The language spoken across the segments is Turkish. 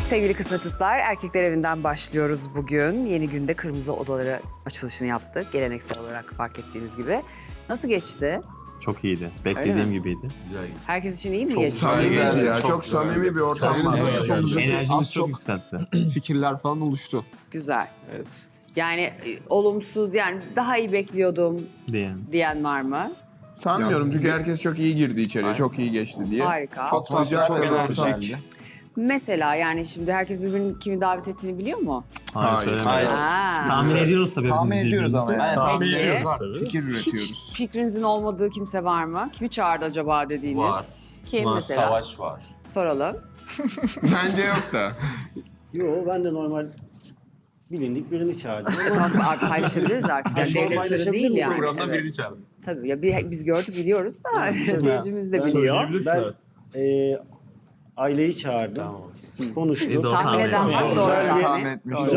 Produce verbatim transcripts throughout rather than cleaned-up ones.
Sevgili Kısmet Uslar, Erkekler Evi'nden başlıyoruz bugün. Yeni günde Kırmızı Odaları açılışını yaptık. Geleneksel olarak fark ettiğiniz gibi. Nasıl geçti? Çok iyiydi. Beklediğim gibiydi. Güzel geçti. Herkes için iyi mi Çok geçti? samimi ya. Çok, Çok samimi bir ortam var. güzel. Çok güzel. Enerjimiz Az çok çok yükseltti. fikirler falan oluştu. Güzel. Evet. Yani e, olumsuz, yani daha iyi bekliyordum Diyen. diyen var mı? Sanmıyorum çünkü herkes çok iyi girdi içeriye, çok iyi geçti diye. Harika. Çok sıcak, Çok enerjik. Mesela yani şimdi herkes birbirinin kimi davet ettiğini biliyor mu? Hayır, Hayır. söylemedim. Ha. Tahmin ediyoruz tabii. Tahmin hepimiz ediyoruz ama birbirimizi. yani. Tahmin Peki. ediyoruz tabii. Fikir Hiç üretiyoruz. fikrinizin olmadığı kimse var mı? Kimi çağırdı acaba dediğiniz? Var. Kim Var, mesela? Savaş var. Soralım. Bence yok da. Yo, ben de normal bilindik birini çağırdım. Tamam, artık paylaşabiliriz artık. Yani Ha, devlet sırrı paylaşabilir değil miyim? yani. Programdan Evet. birini çağırdım. Tabii ya bir- biz gördük biliyoruz da Evet. seyircimiz de Ben biliyor. Ben e, aileyi çağırdım. Konuştuk. İyi, doğru Tahmin tahmin eden var, etmiş. doğru Güzel bir- tahmin. etmiş. Doğru.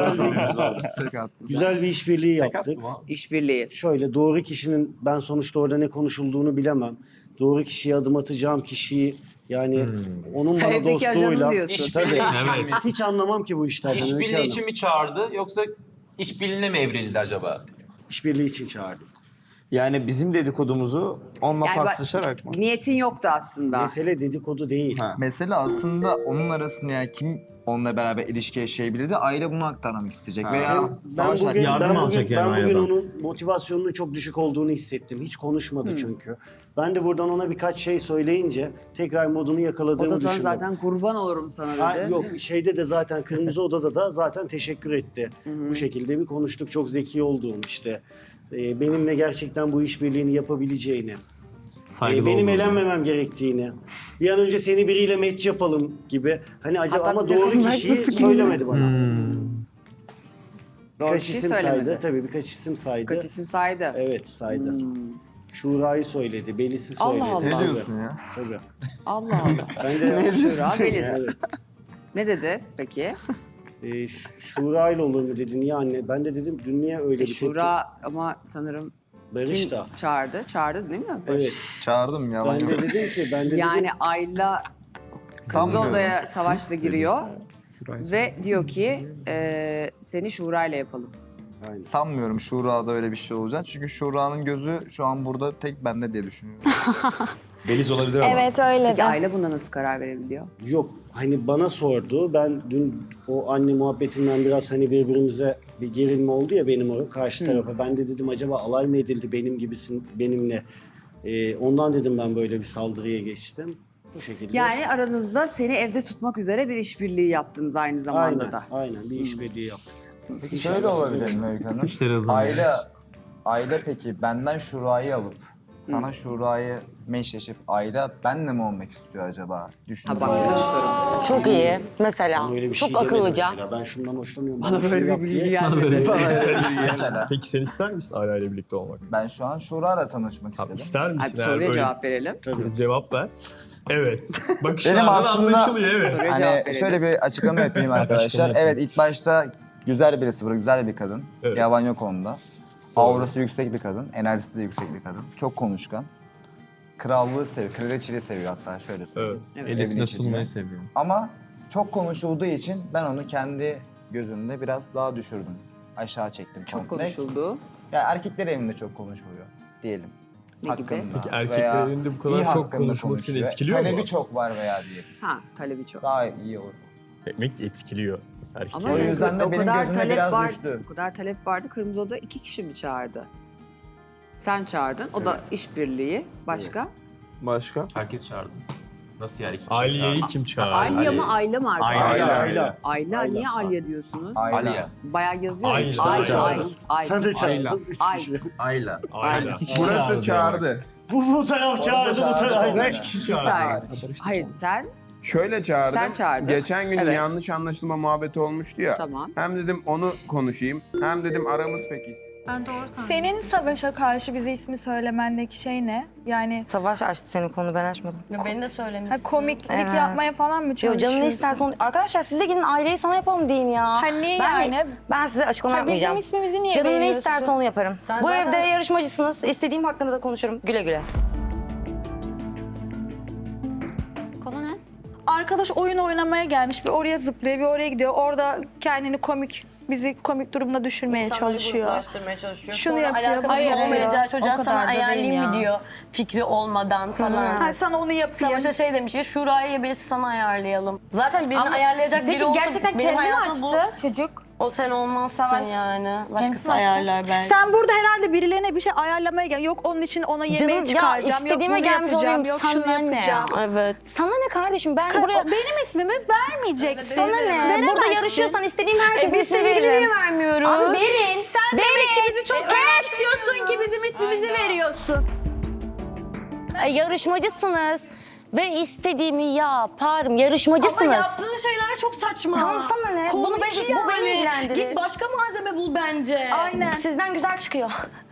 Güzel, güzel bir işbirliği yaptık. İşbirliği. Şöyle doğru kişinin, ben sonuçta orada ne konuşulduğunu bilemem. Doğru kişiye adım atacağım kişiyi, yani onun bana Peki dostluğuyla. ajanım diyorsun. İşbirliği Tabii. için mi? Hiç anlamam ki bu işlerden. Öykü İşbirliği Hanım. için mi çağırdı yoksa işbirliğine mi evrildi acaba? İşbirliği için çağırdım. Yani bizim dedikodumuzu onunla Yani bak- paslaşarak mı? Niyetin yoktu aslında. Mesele dedikodu değil. Mesele aslında onun arasında yani kim onunla beraber ilişki yaşayabilirdi, aile bunu aktarmak isteyecek veya Ben savaş bugün, hakkında- yardım ben alacak bugün, yani ben bugün aileden. onun motivasyonunun çok düşük olduğunu hissettim. Hiç konuşmadı çünkü. Ben de buradan ona birkaç şey söyleyince tekrar modunu O yakaladığımı da sana düşündüm. zaten kurban olurum sana dedi. Ha, yok, şeyde de zaten Kırmızı Oda'da da zaten teşekkür etti. Bu şekilde bir konuştuk. Çok zeki olduğum işte. Ee, benimle gerçekten bu işbirliğini yapabileceğini. ee, Saygılı benim olmalı. elenmemem gerektiğini. Bir an önce seni biriyle match yapalım gibi. Hani acaba Hatta ama bir doğru takım kişiyi nasıl söylemedi bana. Hmm. Doğru Birkaç kişiyi isim söylemedi. saydı. Tabii birkaç isim saydı. Kaç isim saydı? Evet saydı. Hmm. Şura'yı söyledi, Belis'i Allah söyledi. Allah. Ne Tabii, diyorsun ya? Tabii. Allah Allah. Ben de Ne diyorsun Şura, Beliz. Evet. Ne dedi peki? Ee, Ş- Şura ile olur mu dedi. Niye anne? Ben de dedim dün niye öyle E, bir Şura ama sanırım tepki? Barış kim da. çağırdı? Çağırdı değil mi? Evet. Çağırdım ya. Ben de dedim ki ben de Yani dedim, Ayla Kırmızı Sanmıyorum. Oda'ya Savaş'la giriyor ve diyor ki e, seni Şura ile yapalım. Aynen. Sanmıyorum Şura'da öyle bir şey olacak. Çünkü Şura'nın gözü şu an burada tek bende diye düşünüyorum. Beliz olabilir ama. Evet öyle Peki de. Ayla buna nasıl karar verebiliyor? Yok hani bana sordu. Ben dün o anne muhabbetinden biraz hani birbirimize bir gerilme oldu ya benim o karşı tarafa. Ben de dedim acaba alay mı edildi benim gibisin benimle. Ee, ondan dedim ben böyle bir saldırıya geçtim. Bu şekilde. Yani aranızda seni evde tutmak üzere bir işbirliği yaptınız aynı zamanda aynen, da. aynen bir işbirliği yaptık. Peki şöyle olabilir mi Öykü Hanım? İşleri hızlanıyor. Aile, aile peki benden Şura'yı alıp sana Şura'yı meşleşip aile benle mi olmak istiyor acaba? Ha Düşündüm. bak bu da bir soru. Çok iyi mesela. Bana öyle bir Çok şey demedi akıllıca. mesela. Ben şundan hoşlanıyorum. Bana şunu böyle yap bir diye. bilgi gelmedi. Mesela Peki sen ister misin Ayla ile birlikte olmak? ben şu an Şura'yla tanışmak Tamam, istedim. ister misin? Hadi Eğer soruya böyle cevap verelim. bir cevap ver. Evet. Bakışlardan aslında- anlaşılıyor evet. Soruya cevap Hani verelim. şöyle bir açıklama yapayım arkadaşlar. Açıklama yapayım. Evet ilk başta güzel birisi bu, güzel bir kadın. Evet. Yalan yok onda. Aurası yüksek bir kadın, enerjisi de yüksek bir kadın. Çok konuşkan. Krallığı seviyor, kraliçeliği seviyor hatta şöyle söyleyeyim. Evet. Evet. Evin Elisine içinde. sunmayı seviyorum. Ama çok konuşulduğu için ben onu kendi gözümde biraz daha düşürdüm. Aşağı çektim Çok komple. konuşuldu. Ya erkekler evinde çok konuşuluyor diyelim. Ne gibi? Peki veya erkekler evinde bu kadar iyi çok hakkında konuşması seni konuşuyor. etkiliyor mu? Talebi çok var veya diyelim. Ha talebi çok. Daha iyi olur. Demek ki etkiliyor erkekler. Ama O yüzden de o benim kadar gözüme talep biraz var, düştü. O kadar talep vardı. Kırmızı Oda iki kişi mi çağırdı? Sen çağırdın. O da işbirliği. Başka? Başka? Herkes çağırdı. Nasıl yani? İki kişi Aliye'yi çağırdı? kim çağırdı? Alya mı Ayla mı arkadaşlar? Ayla. Ayla, Ayla. Ayla. Ayla, Ayla. niye Alya diyorsunuz? Ayla. Aliye. Bayağı yazıyor. ya. Ayla. Ay, Sen de ay, çağırdın. ay. Sen de Ayla. çağırdın. Üç Ay. kişi. Ayla. Ayla. Burası çağırdı. Bu, bu taraf çağırdı, bu taraf. Ayla. Üç kişi Bir çağırdı. saniye. Hayır sen Şöyle çağırdım. Sen çağırdın. Geçen gün Evet. yanlış anlaşılma muhabbeti olmuştu ya. tamam. Hem dedim onu konuşayım, hem dedim aramız peki. Senin Savaş'a karşı bize ismi söylemendeki şey ne? Yani Savaş açtı senin konu, ben açmadım. Beni de ha, söylemişsin. komiklik Evet. yapmaya falan mı Yo çalışıyorsun? canım ne istersen onu... Arkadaşlar siz de gidin aileyi sana yapalım deyin ya. Ha, niye ben yani? Ben size açıklama Ha, bizim yapmayacağım. ismimizi niye Canım ne veriyorsun? isterse onu yaparım. Sen Bu zaten- evde yarışmacısınız. İstediğim hakkında da konuşurum. Güle güle. Konu ne? arkadaş oyun oynamaya gelmiş. Bir oraya zıplıyor, bir oraya gidiyor. Orada kendini komik, bizi komik durumuna düşürmeye çalışıyor. gruplaştırmaya çalışıyor. Şunu Sonra yapıyor, alakası bunu yapıyor. olmayacağı çocuğa O kadar sana da değil ayarlayayım ya. mı diyor. Fikri olmadan falan. Ha, sana onu yapayım. Savaş'a şey demiş ya Şura'ya birisi sana ayarlayalım. Zaten birini Ama ayarlayacak peki biri olsa gerçekten benim kendi mi hayatımda açtı bu. çocuk? O sen olmazsın Savaş. yani. Kendisi Başkası açtı. ayarlar belki. Sen burada herhalde birilerine bir şey ayarlamaya gel. Yok onun için ona yemeği Canım, ya çıkaracağım. Yok istediğime bunu gelmiş yapacağım. olayım, Yok sana şunu ne yapacağım. ya? Evet. Sana ne kardeşim? Ben Ka- buraya... o benim ismimi vermeyeceksin. Sana ne? Veremezsin. Burada yarışıyorsan istediğim herkesin E biz ismini sevgili niye veririm. vermiyoruz? Abi verin. Sen verin. demek ki bizi çok önemsiyorsun ki bizim ismimizi veriyorsun. E, yarışmacısınız. Ve istediğimi yaparım. Yarışmacısınız. Ama yaptığın şeyler çok saçma. Tamam, sana ne? Bunu Komik beni- bu beni ilgilendirir. Git başka malzeme bul bence. Aynen. Sizden güzel çıkıyor.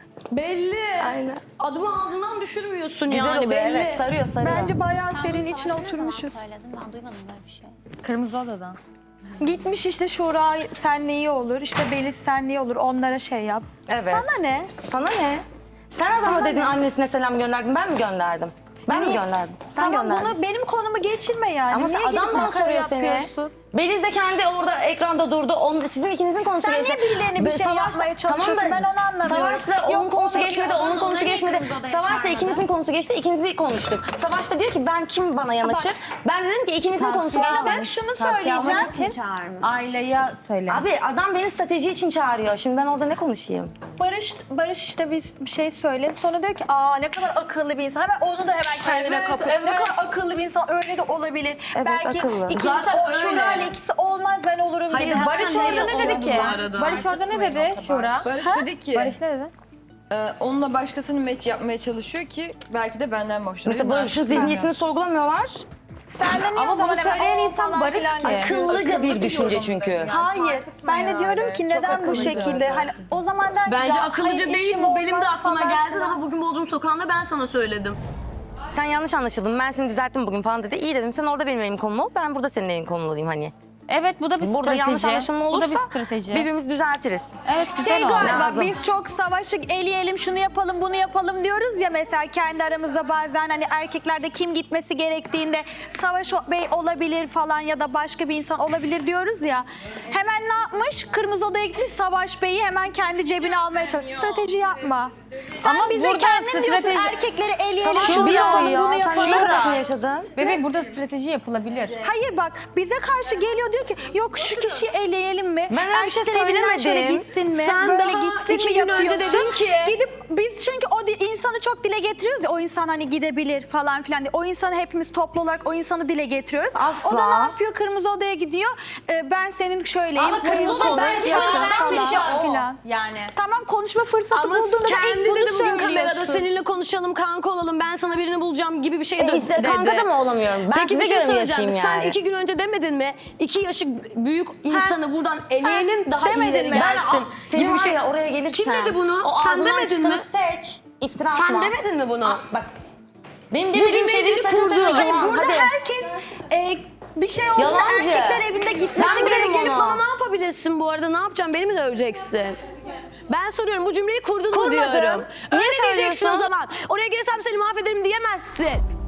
Belli. Aynen. Adımı ağzından düşürmüyorsun Güzel yani oluyor belli. evet. Sarıyor sarıyor. Bence bayağı senin içine oturmuşuz. Ben duymadım böyle bir şey. Kırmızı odadan. Gitmiş işte Şura senle iyi olur, işte Beliz senle iyi olur, onlara şey yap. Evet. Sana ne? Sana ne? Sen adama Sana dedin ne? annesine selam gönderdin. Ben mi gönderdim? Ben mi Niye? gönderdim? Sen Tamam gönderdin. bunu benim konumu geçirme yani. Ama Niye sen gidip adam bana makara soruyor seni. yapıyorsun? Beliz de kendi orada ekranda durdu. Onun, sizin ikinizin konusu Sen geçti. niye birilerine bir Ve şey yapmaya çalışıyorsun? da Ben onu anlamıyorum. Savaş'la onun Yok, konusu onu- geçmedi, onun konusu geçmedi. Savaş'la ikinizin konusu geçti, ikinizi konuştuk. Savaş da diyor ki ben kim bana yanaşır? Ben dedim ki ikinizin konusu geçti. Şunu söyleyeceğim. Aileye söyle. Abi adam beni strateji için çağırıyor. Şimdi ben orada ne konuşayım? Barış, Barış işte biz bir şey söyledi. Sonra diyor ki aa ne kadar akıllı bir insan. Hemen onu da hemen kendine Evet, kapıyor. Ne evet. kadar akıllı bir insan öyle de olabilir. Evet, Belki akıllı. ikimiz Zaten o öyle. Şura ile ikisi olmaz ben olurum Hayır, gibi. Barış Hemen orada ne dedi ki? Barış orada ne dedi Şura? Barış dedi ki Barış ne dedi? e, onunla başkasını match yapmaya çalışıyor ki belki de benden hoşlanıyor. Mesela Barış'ın zihniyetini sorgulamıyorlar. Sen de niye Ama o zaman bunu hemen söyleyen o insan falan Barış filan ki. diyorsun? Akıllıca bir düşünce çünkü. Hayır. Ben de diyorum ki neden bu şekilde? Hani o zaman der ki Bence ya, akıllıca hayır, değil işim bu. Benim de olmaz aklıma falan geldi. filan. Daha bugün Bodrum Sokağı'nda ben sana söyledim. Sen yanlış anlaşıldın. Ben seni düzelttim bugün falan dedi. İyi dedim. Sen orada benim elim konum ol. Ben burada senin elin konum olayım hani. Evet bu da bir Burada strateji. yanlış anlaşılma olursa Bu da bir strateji. birbirimizi düzeltiriz. Evet güzel Şey oldu. galiba Lazım. biz çok savaşı eleyelim, şunu yapalım, bunu yapalım diyoruz ya mesela kendi aramızda bazen hani erkeklerde kim gitmesi gerektiğinde Savaş Bey olabilir falan ya da başka bir insan olabilir diyoruz ya. Hemen ne yapmış? Kırmızı Oda'ya gitmiş Savaş Bey'i hemen kendi cebine almaya çalışıyor. Strateji yapma. Sen Ama bize burada kendin diyorsun strateji- erkekleri eleyelim, Savaş şunu bir yapalım, yapıyor bunu ya. Sen yapalım. neyin parasını yaşadın? Bebek burada strateji yapılabilir. Hayır bak bize karşı geliyor diyor ki yok şu kişiyi eleyelim mi? Ben öyle bir şey Erkekler evinden şöyle söylemedim. gitsin mi? Sen Böyle daha gitsin iki mi gün önce yapıyorsun? dedin ki- Gidip biz çünkü o di- insanı çok dile getiriyoruz ya o insan hani gidebilir falan filan diye. O insanı hepimiz toplu olarak o insanı dile getiriyoruz. Asla. O da ne yapıyor? Kırmızı Oda'ya gidiyor. Ee, ben senin şöyleyim. Ama Kırmızı bu Oda insan belki yapıyor veren falan kişi o. filan. Yani. Tamam konuşma fırsatı Ama bulduğunda da kendi ilk bunu dedi bugün kamerada söylüyorsun. seninle konuşalım, kanka olalım, ben sana birini bulacağım gibi bir şey E, de işte dedi. kanka da mı olamıyorum? Ben Peki size bir şey göre mi söyleyeceğim. yaşayayım yani? Sen iki gün önce demedin mi? İki yaşı büyük insanı buradan eleyelim, daha demedin iyileri mi? gelsin. Ben senin bir şeyle oraya gelirsen. Kim dedi bunu? O Sen ağzından demedin çıkanı mi? seç. İftira Sen atma. demedin mi bunu? Aa, bak. Benim demediğim cümleyi şeyleri biri sakın kurdu. söyleme. Hayır, Yalan. burada Hadi. herkes e, bir şey olduğunda Yalancı. erkekler evinde gitmesi Ben Buraya derim gelip ona. bana ne yapabilirsin bu arada? Ne yapacağım? Beni mi döveceksin? Ben soruyorum bu cümleyi kurdun mu Kurmadım. diyorum. Niye Öyle diyeceksin o söylüyorsun? zaman. Oraya girsem seni mahvederim diyemezsin.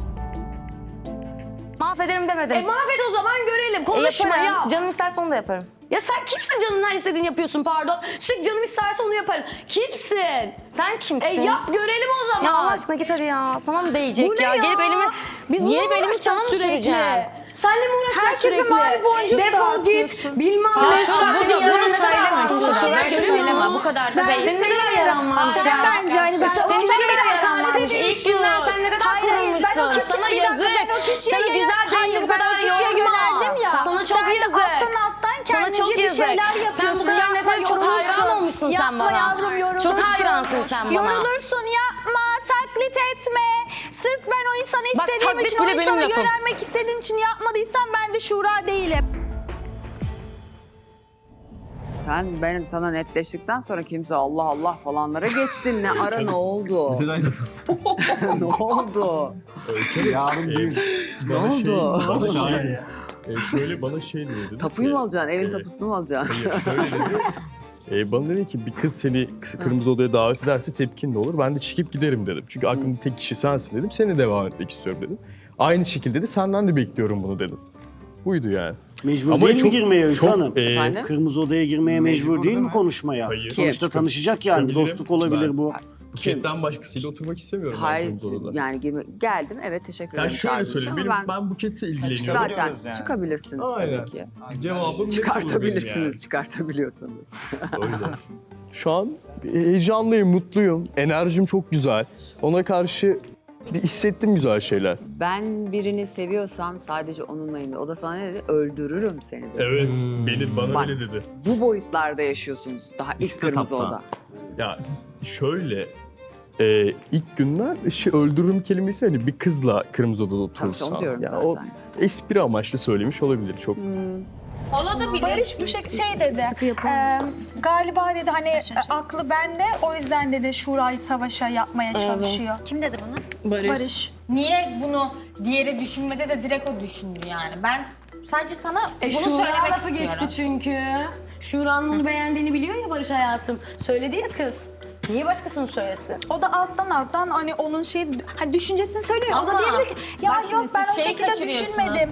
Mahvederim demedim. E mahvet o zaman görelim. E, Konuşma yaparım. ya. Canım isterse onu da yaparım. Ya sen kimsin canın her istediğini yapıyorsun pardon. Sürekli canım isterse onu yaparım. Kimsin? Sen kimsin? E yap görelim o zaman. Ya Allah aşkına git hadi ya. Sana mı değecek Bu ne ya? ya? Gelip elimi, Biz bununla gelip mı elimi sana uğraşacağız mı sürekli? süreceğim? Senle mi uğraşacağız Herkese sürekli? mavi boncuk Defol git. dağıtıyorsun. Bilmem Ya ne. şu an Sen- senin Bunu yanında söyleme. söyleme. Bunu Söyleme. söyleme. Söyleme. Bu kadar da Ben belli. Senin ne kadar söyleyemem. yaran varmış Sen ya. bence hani ben Senin o ne kişiye kadar yaran varmış. İlk günden sen ne kadar Hayır, hayır, ben o kırılmışsın. kişiye- Sana bir dakika, yazık. ben o kişiye Sana yönel- güzel değil Hayır, bu ben o kadar kişiye yorma. yöneldim ya. Sana çok Sen de yazık. alttan alttan Sana kendince çok bir yazık. şeyler yapıyorsun. Sen bu kadar Yapma, nefret çok yorulursun. hayran olmuşsun sen Yapma bana. yavrum yorulursun. Çok hayransın sen bana. Yorulursun yapma, taklit etme. Sırf ben o insanı Bak, istediğim taklit için, o bile benim insana lafım. yönelmek istediğin için yapmadıysan ben de Şura değilim. Sen ben sana netleştikten sonra kimse Allah Allah falanlara geçtin. Ne ara ne oldu? Bize de aynısınız. ne oldu? Yarın düğün. Ne oldu? Bana şey, e, şöyle bana şey diyor dedi. Tapuyu ki, mu alacaksın? Evin e, tapusunu mu alacaksın? Hayır şöyle dedi. E, bana dedi ki bir kız seni kırmızı odaya davet ederse tepkin ne olur? Ben de çıkıp giderim dedim. Çünkü aklımda tek kişi sensin dedim. Seni devam etmek istiyorum dedim. Aynı şekilde de senden de bekliyorum bunu dedim. Buydu yani. Mecbur Ama değil çok- mi girmeye Öykü çok, Hanım? e, Efendim? Kırmızı odaya girmeye mecbur, Mecbur değil değil mi mi? konuşmaya? Hayır. Sonuçta Kim? tanışacak yani. Çıkabilirim. Dostluk olabilir Ben- bu. Buketten başkasıyla oturmak istemiyorum ben Hayır kırmızı odada. yani girme, geldim evet teşekkür Yani ederim. şöyle çağırdığınız söyleyeyim, için benim, ama ben, Buket'le ilgileniyorum. zaten Çıkabiliyoruz yani. çıkabilirsiniz Aynen. tabii ki. Cevabım net olur benim Çıkartabilirsiniz, yani. çıkartabiliyorsanız. O yüzden. Şu an heyecanlıyım, mutluyum. Enerjim çok güzel. Ona karşı bir hissettim güzel şeyler. Ben birini seviyorsam sadece onunlayım. O da sana ne dedi? Öldürürüm seni dedi. Evet, beni bana Bak. öyle dedi. Bu boyutlarda yaşıyorsunuz daha ilk İkisi de kırmızı tapta. oda. Ya şöyle, e, ilk günler işi öldürürüm kelimesi hani bir kızla kırmızı odada oturursan. onu diyorum ya zaten. O espri amaçlı söylemiş olabilir çok. Olabilir. Barış bu şey, şey dedi. e, galiba dedi hani e, aklı bende o yüzden dedi Şura'yı savaşa yapmaya çalışıyor. Kim dedi bunu? Barış. Barış. Niye bunu diğeri düşünmede de direkt o düşündü yani. Ben sadece sana E, bunu Şura söylemek lafı istiyorum. geçti çünkü. Şura'nın onu beğendiğini biliyor ya Barış hayatım. Söyledi ya kız. Niye başkasını söylesin? O da alttan alttan hani onun şey hani düşüncesini söylüyor. o da Ama diyebilir ki ya bak yok şimdi ben siz o şeyi şekilde kaçırıyorsunuz. düşünmedim.